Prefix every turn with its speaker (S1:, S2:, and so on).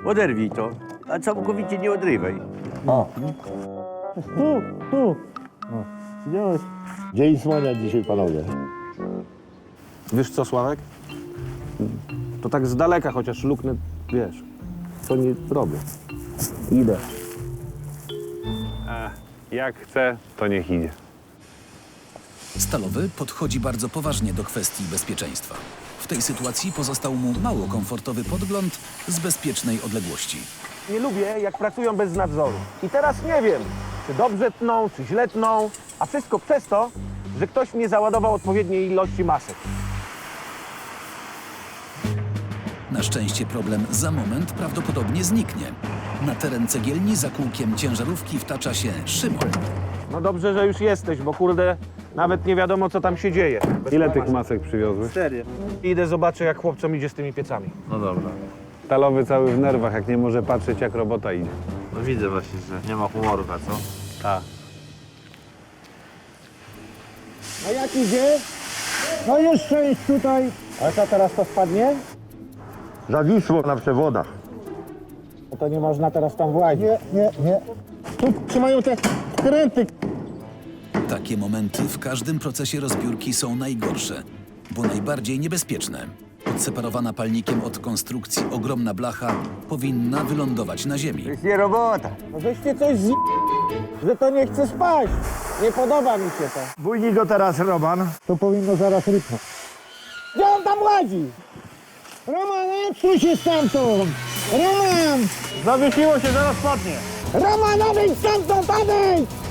S1: Oderwij to, a całkowicie nie odrywaj.
S2: O. Tu. O. Widziałeś? Dzień słonia dzisiaj, panowie.
S3: Wiesz co, Sławek? To tak z daleka, chociaż luknę, wiesz, co nie robię. Idę.
S4: Jak chce, to niech idzie.
S5: Stalowy podchodzi bardzo poważnie do kwestii bezpieczeństwa. W tej sytuacji pozostał mu mało komfortowy podgląd z bezpiecznej odległości.
S3: Nie lubię, jak pracują bez nadzoru. I teraz nie wiem, czy dobrze tną, czy źle tną, a wszystko przez to, że ktoś mnie załadował odpowiedniej ilości masek.
S5: Na szczęście problem za moment prawdopodobnie zniknie. Na teren cegielni za kółkiem ciężarówki wtacza się Szymon.
S3: No dobrze, że już jesteś, bo kurde, nawet nie wiadomo, co tam się dzieje.
S4: Ile tych masek przywiozłeś?
S1: 4.
S3: Idę, zobaczę, jak chłopcom idzie z tymi piecami.
S1: No dobra.
S4: Stalowy cały w nerwach, jak nie może patrzeć, jak robota idzie.
S1: No widzę właśnie, że nie ma humoru, a co?
S4: Tak.
S2: A jak idzie? No już część tutaj.
S3: Ale co, teraz to spadnie?
S2: Zawisło na przewodach.
S3: No to nie można teraz tam włazić.
S2: Nie. Tu trzymają te kręty.
S5: Takie momenty w każdym procesie rozbiórki są najgorsze, bo najbardziej niebezpieczne. Odseparowana palnikiem od konstrukcji ogromna blacha powinna wylądować na ziemi.
S1: Nie robota.
S3: No żeście coś że to nie chce spać. Nie podoba mi się to.
S2: Bójnij go teraz, Roman. To powinno zaraz rypnąć.
S3: Gdzie on tam łazi?
S2: Roman, odsuń się stamtąd! Roman!
S3: Zawiesiło się, zaraz padnie.
S2: Roman, odejdź stamtąd, odejdź!